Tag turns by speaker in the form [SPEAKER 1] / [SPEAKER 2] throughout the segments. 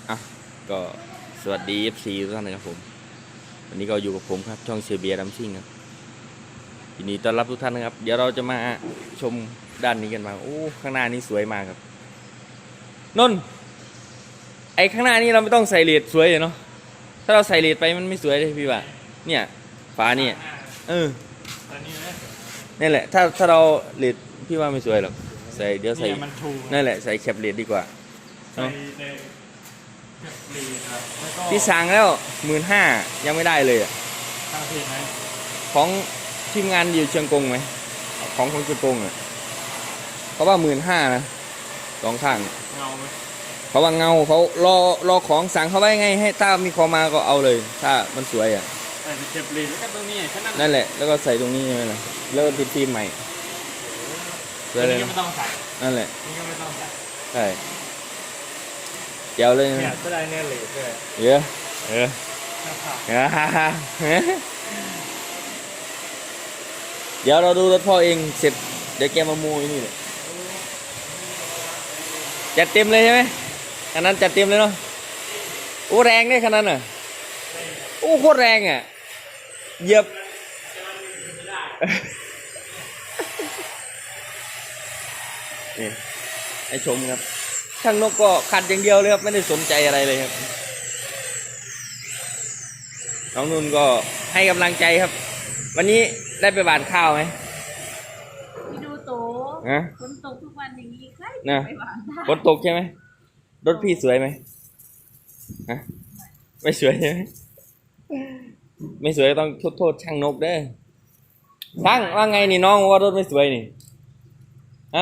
[SPEAKER 1] อ่ะก็สวัสดี FC ทุกท่านนะครับผมวันนี้ก็อยู่กับผมครับช่องเชียร์เบียร์ดัมซิ่งครับยินดีต้อนรับทุกท่านนะครับเดี๋ยวเราจะมาชมด้านนี้กันมาโอ้ข้างหน้านี้สวยมากครับนนท์ไอ้ข้างหน้านี้เราไม่ต้องใส่เลดสวยเลยเนาะถ้าเราใส่เลดไปมันไม่สวยเลยพี่ว่าเนี่ยฝาเนี่ยนี่แหละถ้าเราเลดพี่ว่าไม่สวยหรอกใส่เดี๋ยวใส่นั่นแหละใส่แคปเลดดีกว่าเนาะพี่สั่งแล้ว15,000ยังไม่ได้เลยอ่ะของทีมงานอยู่เชียงกงไหมของเชียงกงอ่ะเขาว่า15,000นะสองข้างเงาไหมเขาว่าเงาเขารอของสั่งเขาไว้ไงให้ถ้ามีของมาก็เอาเลยถ้ามันสวยอ่ะ
[SPEAKER 2] เก็บลีนแล้วก็ตรงนี้
[SPEAKER 1] นั่นแหละแล้วก็ใส่ตรงนี้ใช่ไหมล่ะแล้วติดฟิล์มใหม่
[SPEAKER 2] เลยไม่ต้องใส่
[SPEAKER 1] นั่นแหละ
[SPEAKER 2] นี่ก็ไม่ต้องใส่
[SPEAKER 1] ใช่เจ๋วเลย
[SPEAKER 2] เนี่ยก็ได้เนี่ยเลย
[SPEAKER 1] เยอะเดี๋ยวเราดูรถพ่อเองเสร็จเดี๋ยวแกมามูนี่เลยจัดเต็มเลยใช่ไหมขนาดจัดเต็มเลยเนาะโอ้แรงเนี่ยขนาดน่ะโอ้โคตรแรงอ่ะเหยียบนี่ให้ชมครับช่างนกก็ขัดอย่างเดียวเลยครับไม่ได้สนใจอะไรเลยครับน้องนุ่นก็ให้กำลังใจครับวันนี้ได้ไปหว่านข้าวไหม
[SPEAKER 3] ไปดูโตฝนตกทุกวันอย่างนี้ใครไปหว่าน
[SPEAKER 1] ฝนตกใช่ไหมรถพี่สวยไหมฮะไม่สวยใช่ไหมไม่สวยต้องโทษช่างนกเด้อช่างว่าไงนี่น้องว่ารถไม่สวยนี่ฮะ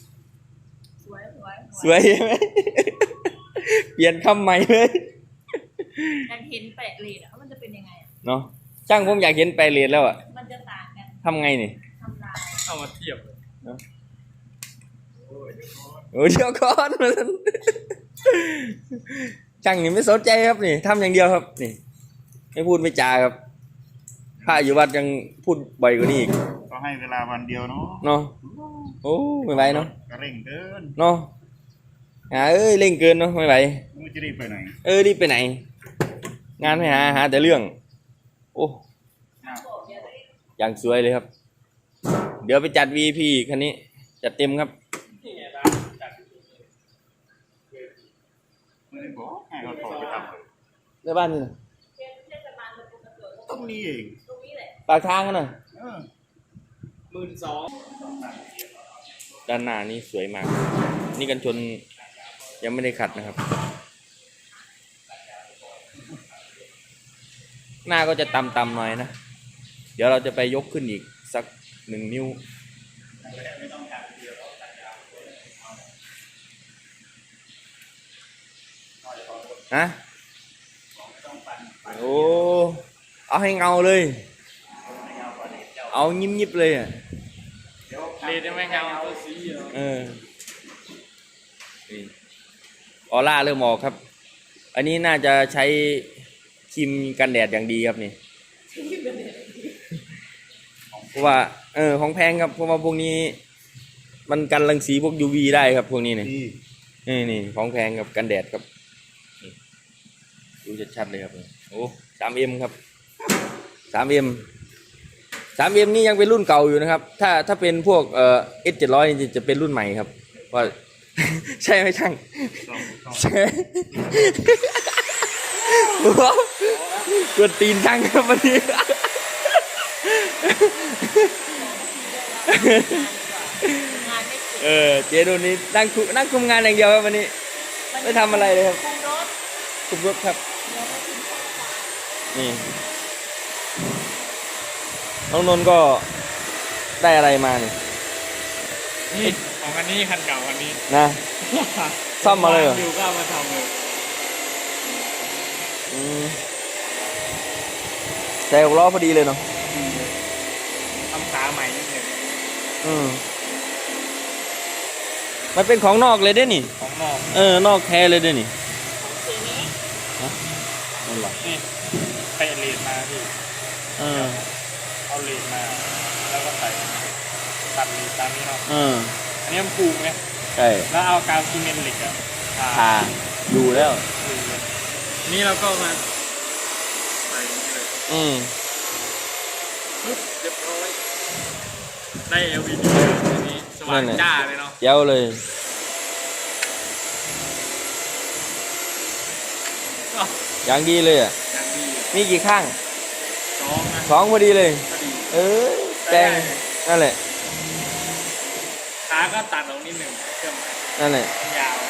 [SPEAKER 1] สวยใช่ไหมเปลี่ยนคำใหม่เลย
[SPEAKER 3] อยากเห็นแปะเลดมันจะเป็นยังไง
[SPEAKER 1] เนาะช่างผมอยากเห็นแปะเลดแล้วอ่ะ
[SPEAKER 3] มันจะต่างกัน
[SPEAKER 1] ทำไงนี่
[SPEAKER 3] ทำลาย
[SPEAKER 2] เอามาเทียบ
[SPEAKER 1] โอ้ยเดี๋ยวก่อนมันช่างนี่ไม่สนใจครับนี่ทำอย่างเดียวครับนี่ไม่พูดไม่จาครับถ้าอยู่วัดยังพูดบ่อยกว่านี้อีก
[SPEAKER 2] ก็ให้เวลาวันเดียวเนาะ
[SPEAKER 1] โอ้ไม่ไหวเนาะ
[SPEAKER 2] เร่งเกิน
[SPEAKER 1] เนาะเร่งเกินเนาะไม่ไหว
[SPEAKER 2] มันจะรีบไปไหน
[SPEAKER 1] รีบไปไหนงานให้หาแต่เรื่องโอ้อย่างสวยเลยครับเดี๋ยวไปจัด VIP คันนี้จัดเต็มครับ
[SPEAKER 2] ไม่ได้บอกให้เขาโทรไปทำ
[SPEAKER 1] ในบ้านนี่นะ
[SPEAKER 2] ตรงนี้เอง
[SPEAKER 1] ปากทางกันหน่อย
[SPEAKER 2] 12,000
[SPEAKER 1] ด้านหน้านี่สวยมากนี่กันชนยังไม่ได้ขัดนะครับหน้าก็จะต่ำๆหน่อยนะเดี๋ยวเราจะไปยกขึ้นอีกสัก1 นิ้วนะโอ้เอาให้เงาเลยเอายิบๆเลยอ่ะ
[SPEAKER 2] เลดไม่เงาตัวสี
[SPEAKER 1] ออร่าเริ่มออกครับอันนี้น่าจะใช้ครีมกันแดดอย่างดีครับนี่เพราะว่าของแพงครับเพราะว่าพวกนี้มันกันรังสีพวก UV ได้ครับพวกนี้นี่ของแพงครับกันแดดครับดูชัดๆเลยครับโอ้ 3M ครับ 3M นี่ยังเป็นรุ่นเก่าอยู่นะครับถ้าเป็นพวกS700นี่จะเป็นรุ่นใหม่ครับว่าใช่ไหมช่างใช่กวนตีนช่างครับวันนี้เจนูนี่นั่งคุมงานอย่างเดียวครับวันนี้ไม่ทำอะไรเลยครับคุมรถครับนี่น้องนนท์ก็ได้อะไรมานี่
[SPEAKER 2] ของอันนี้คันเก่าอันนี้
[SPEAKER 1] นะซ่อมมาเลยเหรอ
[SPEAKER 2] ดูก็มาทำเลย
[SPEAKER 1] ใส่6 ล้อพอดีเลยเนาะ
[SPEAKER 2] ทำขาใหม่นิดหนึ่ง
[SPEAKER 1] มันเป็นของนอกเลยเด้นี่
[SPEAKER 2] ของนอก
[SPEAKER 1] นอกแท้เลยเด้นี่
[SPEAKER 3] สีนี้
[SPEAKER 1] นั่นหรอ
[SPEAKER 2] นี่ไปเลดมาพี่เอาเลดมาแล้วก็ใส่ตัดเลดตามนี้เนาะอันนี้มันผูกไง
[SPEAKER 1] ใช่
[SPEAKER 2] แล้วเอากาวซีเมนต์เหล็กอะ
[SPEAKER 1] ทาอยู่แล้ว
[SPEAKER 2] นี่เราก็มาใส่อย่างนี้เลย
[SPEAKER 1] อืม
[SPEAKER 2] ปึ๊บเรียบร้อยได้ LED เลยทีนี้สว่างจ้าเลยเนาะ
[SPEAKER 1] เย้าเลย
[SPEAKER 2] อ้าว
[SPEAKER 1] อย่างดีเลยอ่ะ
[SPEAKER 2] อย่างดี
[SPEAKER 1] มีกี่ข้าง
[SPEAKER 2] 2นะ
[SPEAKER 1] 2พอดีเลย
[SPEAKER 2] พอดี
[SPEAKER 1] เออแปลงนั่นแหละ
[SPEAKER 2] ขาก็ตัดออกนิดหนึ่งเครื่อง
[SPEAKER 1] นั่นแหละ
[SPEAKER 2] ยาว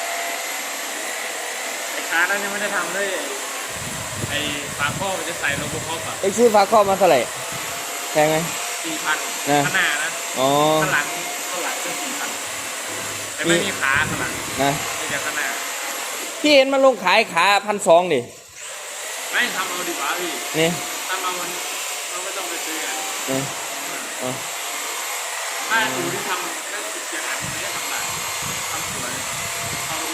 [SPEAKER 2] ไอ้ขานั้นยังไม่ได้ทำเลยไอ้ฝาข้อมันจะใส่โลโก้คอก่อน
[SPEAKER 1] ไอ้ซื้อฝาครอบมาเท่าไหร่แพงไหม
[SPEAKER 2] 4,000
[SPEAKER 1] นะ
[SPEAKER 2] ข้างหน้านะ
[SPEAKER 1] อ๋อ
[SPEAKER 2] ข้างหลังก็4,000แต่ไม่มีขาข้างหลัง
[SPEAKER 1] นะ
[SPEAKER 2] มีแต่ข้างหน้า
[SPEAKER 1] พี่เห็นมันลงขายขา1,200ดิ
[SPEAKER 2] ไม่ทำเอาดีกว่าพี่
[SPEAKER 1] นี่
[SPEAKER 2] ทำเอามันไม่ต้องไปซื้อกัน
[SPEAKER 1] นี่อ๋อ
[SPEAKER 2] ถ้าดูที่ทำก็ติดเสียงอันไม่ได้ทำได้ทำสวยเอาดู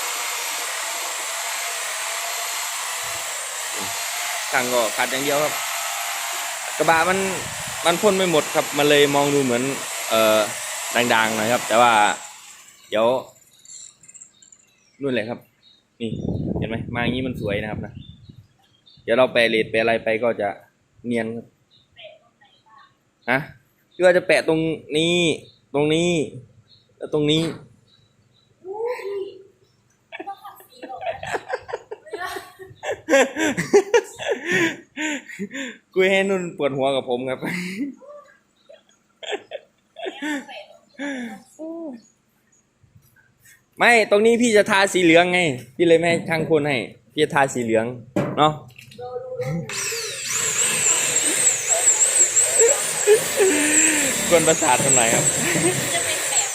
[SPEAKER 1] สั่งก็ขัดอย่างเดียวครับ กระบะมันพ่นไม่หมดครับ มันเลยมองดูเหมือนดังๆหน่อยครับ แต่ว่า เดี๋ยวนู่นแหละครับ นี่เห็นไหมมาอย่างนี้มันสวยนะครับนะเดี๋ยวเราแปะเลดแปะอะไรไปก็จะเนียนครับฮะหรือว่าจะแปะตรงนี้ ตรงนี้แล้วตรงนี้ คุยให้นุ่นปวดหัวกับผมครับ ไม่ตรงนี้พี่จะทาสีเหลืองไง พี่เลยไม่ให้ช่างคนให้ พี่จะทาสีเหลือง เนาะ กวนประสาททำไมครับ
[SPEAKER 3] จะเป็นแบบ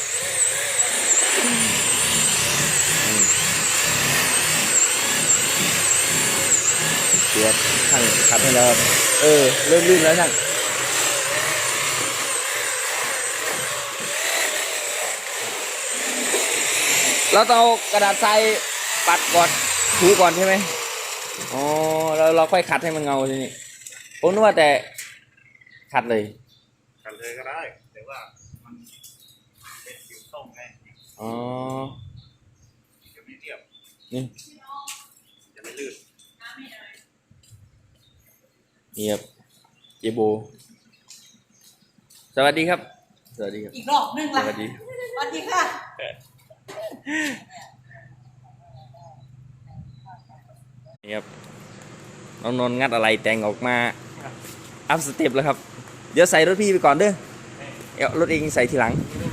[SPEAKER 3] ค่ะ
[SPEAKER 1] เดี๋ยวช่างขัดให้แล้วครับเริ่มลื่นแล้วช่างเราต้องเอากระดาษทรายปัดก่อนถูก่อนใช่ไหมอ๋อแล้วเราค่อยขัดให้มันเงาทีนี้ผมนึกว่าแต่ขัดเลย
[SPEAKER 2] กันเลยก็ได้แต่ว่ามันเป็นผิวส้มไง
[SPEAKER 1] อ๋อ
[SPEAKER 2] จะไม่เรียบ
[SPEAKER 1] นี่
[SPEAKER 2] จะไม่ลื่น
[SPEAKER 1] นี่ครับเจโบสวัสดีครับ สวัสดีครับ
[SPEAKER 4] อีกรอบนึง
[SPEAKER 1] ส
[SPEAKER 4] ล่ะ
[SPEAKER 1] วัสดี
[SPEAKER 4] สวัสดีค่ะ
[SPEAKER 1] นี่ครับน้องนนท์งัดอะไรแต่งออกมาอัพสเต็ปแล้วครับ เดี๋ยวใส่รถพี่ไปก่อนเด้อเอารถเองใส่ทีหลัง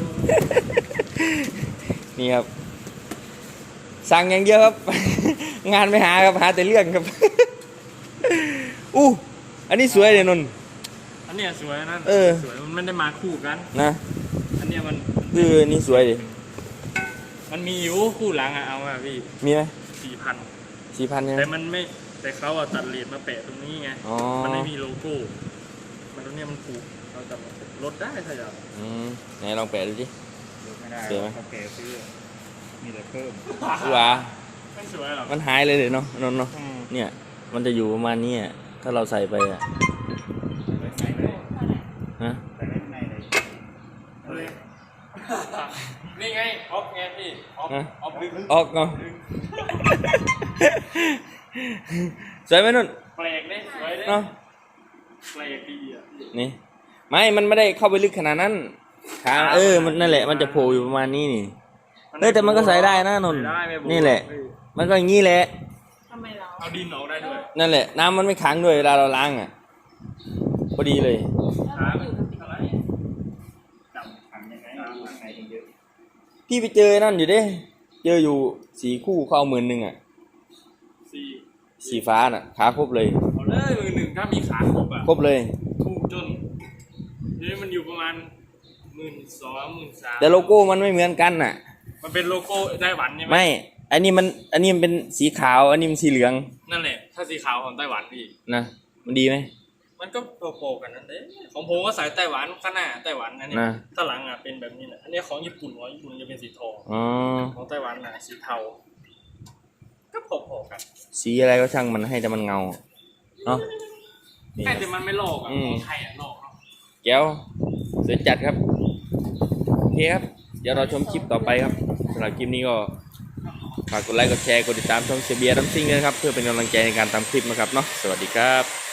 [SPEAKER 1] นี่ครับ สั่งอย่างเดียวครับ งานไม่หาครับหาแต่เรื่องครับ อู้อันนี้สวยเลยนนท์
[SPEAKER 2] อันเนี้ยสวยนะ
[SPEAKER 1] เออ
[SPEAKER 2] สวยมันไม่ได้มาคู่กัน
[SPEAKER 1] นะ
[SPEAKER 2] อันเนี้ยมัน
[SPEAKER 1] นี่สวยดิ
[SPEAKER 2] มันมีอยู่คู่หลังอะเอาอะพี่
[SPEAKER 1] มีไหม
[SPEAKER 2] 4,000
[SPEAKER 1] 4,000เนี่ย
[SPEAKER 2] แต่มันไม่แต่เขาอะตัดเลนมาแปะตรงนี้ไง
[SPEAKER 1] อ๋อ
[SPEAKER 2] มันไม่มีโลโก้มันตรงเนี้ยมันผูกเราจะลดได้ถ้าอยาก
[SPEAKER 1] ไหนลองแปะดูสิ
[SPEAKER 2] ลดไม่ได้
[SPEAKER 1] สวยไหม
[SPEAKER 2] เขาแกซื้อมีแต่เพิ่ม
[SPEAKER 1] ว้า
[SPEAKER 2] ไม่สวยหรอก
[SPEAKER 1] มันหายเลยเนาะนนท์เนาะ
[SPEAKER 2] อืม
[SPEAKER 1] เนี่ย มันจะอยู่ประมาณนี้อะถ้าเราใส่ไปอ่ะ
[SPEAKER 2] ใส่เลย
[SPEAKER 1] ฮะ
[SPEAKER 2] ใส่ไว้ข้างในเลยเลยนี่ไงออฟไงพี่ออฟ
[SPEAKER 1] ฮะ
[SPEAKER 2] ออฟลึก
[SPEAKER 1] ออกเนาะ สวยไหมนุ่น
[SPEAKER 2] แปลกเลยสวยเลย
[SPEAKER 1] เนาะ
[SPEAKER 2] แปลกดีอ่ะ
[SPEAKER 1] นี่ไม่มันไม่ได้เข้าไปลึกขนาดนั้นขามันนั่นแหละมันจะโผล่อยู่ประมาณนี้นี่แต่มันก็ใส่ได้นะนนท์
[SPEAKER 2] ใส่ได้ไม่โบ
[SPEAKER 1] นี่แหละ มันก็อย่างนี้แหละ
[SPEAKER 3] ทำไมเรา
[SPEAKER 2] เอาดินออกได้ด้วย
[SPEAKER 1] นั่นแหละ น้ำมันไม่ขังด้วยเวลาเราล้างอ่ะพอดีเลย
[SPEAKER 2] ขามันเท่าไหร่จับขังยังไงข้างในเยอะ
[SPEAKER 1] พี่ไปเจอนั่นอยู่เด้เจออยู่4 คู่เขาเอา10,000อ่ะ
[SPEAKER 2] สี่
[SPEAKER 1] สีฟ้าน่ะขาครบเลย
[SPEAKER 2] เอาเลยมือหนึ่งถ้ามีขาครบอ่ะ
[SPEAKER 1] ครบเลย
[SPEAKER 2] ถูกจนนี่มันอยู่ประมาณ12,000 13,000
[SPEAKER 1] แต่โลโก้มันไม่เหมือนกันน่ะ
[SPEAKER 2] มันเป็นโลโก้ไต้หวันใช่ไหม
[SPEAKER 1] ไม่ อันนี้มันเป็นสีขาว อันนี้มันสีเหลือง
[SPEAKER 2] นั่นแหละ ถ้าสีขาวของไต้หวันพี่
[SPEAKER 1] นะมันดีไหม
[SPEAKER 2] มันก็โปรกันนั่นเองของผมก็สายไต้หวันข้างหน้าไต้หวันนั่นเอง
[SPEAKER 1] นะ
[SPEAKER 2] ข้างหลังอ่ะเป็นแบบนี้แหละอันนี้ของญี่ปุ่นจะเป็นสีทอง
[SPEAKER 1] อ๋อ
[SPEAKER 2] ของไต้หวันน่ะสีเทาก็โปรกัน
[SPEAKER 1] สีอะไรก็ช่างมันให้แต่มันเงาเนาะนี่
[SPEAKER 2] แค่แต่มันไม่โลกอ่ะ
[SPEAKER 1] อืม
[SPEAKER 2] ของไทยอ่ะโลกเนาะ
[SPEAKER 1] แก้วสวยจัดครับโอเคครับ เดี๋ยวเราชมคลิปต่อไปครับสำหรับคลิปนี้ก็ฝากกดไลค์กดแชร์กดติดตามช่องเสียเบียร์ดัมซิงด้วยนะครับเพื่อเป็นกำลังใจในการทำคลิปนะครับเนาะสวัสดีครับ